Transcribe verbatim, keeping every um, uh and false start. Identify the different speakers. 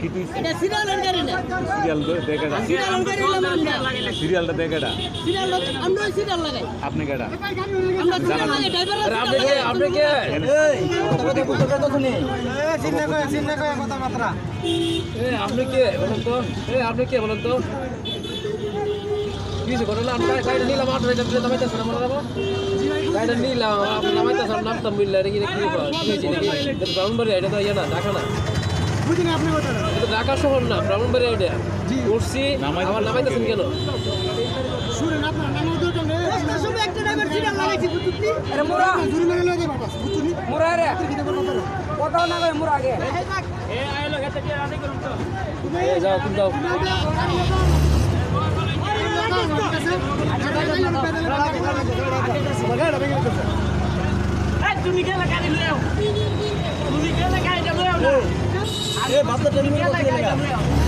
Speaker 1: কি তুই
Speaker 2: এটা সিরিয়ালের গাড়ি না
Speaker 1: সিরিয়াল দেখাটা
Speaker 2: সিরিয়ালের গাড়ি না
Speaker 1: সিরিয়ালটা দেখাটা
Speaker 2: সিরিয়াল আমরা সিরিয়াল লাগাই
Speaker 1: আপনি কেডা
Speaker 2: আমরা সিরিয়াল লাগাই ড্রাইভার
Speaker 3: আপনি কে আপনি কে
Speaker 4: এই কথা কথা কথা কথা শুনি
Speaker 5: এ চিন্তা করে চিন্তা করে কথা মাত্রা
Speaker 3: এ আপনি কে বলেন তো এ আপনি কে বলেন তো কিছু ঘটনা আমরা গাড়িটা নিলাম আপনার এটা প্লে নামাইতে শোনা মনে রাখবো গাড়িটা নিলাম আপনি নামাইতে শোনা নামতাম মিললে নাকি কি হয়েছে নাকি ব্রাহ্মণবাড়ি এটা তো ইয়ে না ঢাকা না
Speaker 5: বুঝিনি আপনি কথা
Speaker 3: এটা ঢাকা শহর না ব্রাহ্মণবাড়ি এটা উঠছি আমার নামাইতেছেন কেন
Speaker 5: শুনেন আপনার নাম দরকার নেই
Speaker 2: সব একটা ড্রাইভার সিরিয়াল লাগাইছি বুঝলি
Speaker 4: আরে মোরা
Speaker 5: জুরি মেরে লয়ে যাবে বাস বুঝছনি
Speaker 4: মোরা রে কথা না কই মোরা আগে
Speaker 3: এ যাও তুমি যাও
Speaker 2: তুমি গেলে গাড়ি লও তুমি গেলে গাড়ি লও
Speaker 4: এ বাপ তো ট্রেনিং করতে গেল